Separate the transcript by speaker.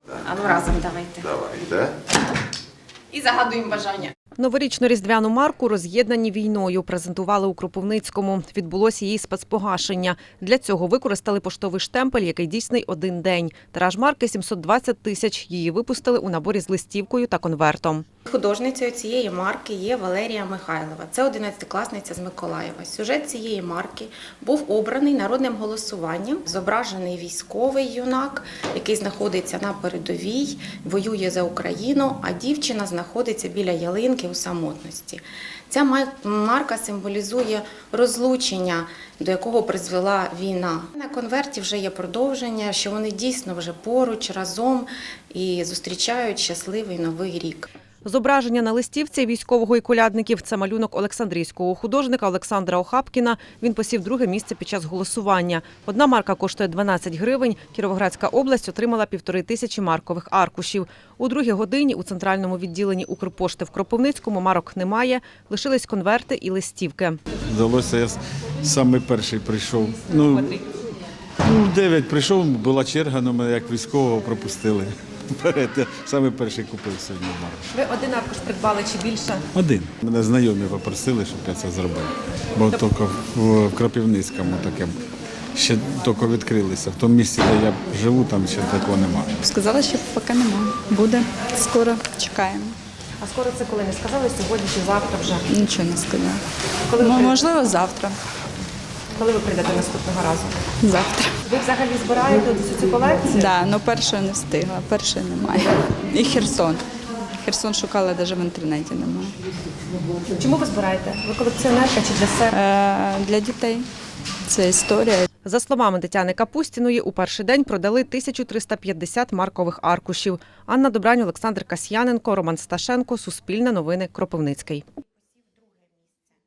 Speaker 1: А ну разом давайте.
Speaker 2: Давайте.
Speaker 1: І загадуємо бажання.
Speaker 3: Новорічну різдвяну марку «Роз'єднані війною» презентували у Кропивницькому. Відбулося її спецпогашення. Для цього використали поштовий штемпель, який дійсний один день. Тираж марки – 720 тисяч. Її випустили у наборі з листівкою та конвертом.
Speaker 1: Художницею цієї марки є Валерія Михайлова. Це 11-класниця з Миколаєва. Сюжет цієї марки був обраний народним голосуванням. Зображений військовий юнак, який знаходиться на передовій, воює за Україну, а дівчина знаходиться біля ялинки у самотності. Ця марка символізує розлучення, до якого призвела війна. На конверті вже є продовження, що вони дійсно вже поруч, разом і зустрічають щасливий новий рік.
Speaker 3: Зображення на листівці військового і колядників – це малюнок олександрійського художника Олександра Охапкіна. Він посів друге місце під час голосування. Одна марка коштує 12 гривень. Кіровоградська область отримала 1500 маркових аркушів. У другій годині у центральному відділенні Укрпошти в Кропивницькому марок немає. Лишились конверти і листівки.
Speaker 4: Вдалося, я саме перший прийшов. Ну, 9 прийшов, була черга, але мене як військового пропустили. Вперед, я саме перший купив сьогодні марку.
Speaker 3: Ви один аркуш придбали чи більше?
Speaker 4: Один. Мене знайомі попросили, щоб я це зробив. Бо тільки в Кропивницькому таке ще тільки відкрилися. В тому місці, де я живу, там ще такого немає.
Speaker 5: Сказали, що поки немає. Буде. Скоро чекаємо.
Speaker 3: А скоро це коли? Не сказали сьогодні чи завтра вже?
Speaker 5: Нічого не сказали.
Speaker 3: Коли ви
Speaker 5: Можливо, завтра.
Speaker 3: Коли ви прийдете наступного разу?
Speaker 5: Завтра.
Speaker 3: Ви взагалі збираєте цю колекцію?
Speaker 5: Так, але першої не встигла, першої немає. І Херсон. Херсон шукала, навіть в інтернеті немає.
Speaker 3: Чому ви збираєте? Ви колекціонерка чи для себе?
Speaker 5: Для дітей. Це історія.
Speaker 3: За словами Тетяни Капустіної, у перший день продали 1350 маркових аркушів. Анна Добрань, Олександр Касьяненко, Роман Сташенко, Суспільне новини, Кропивницький.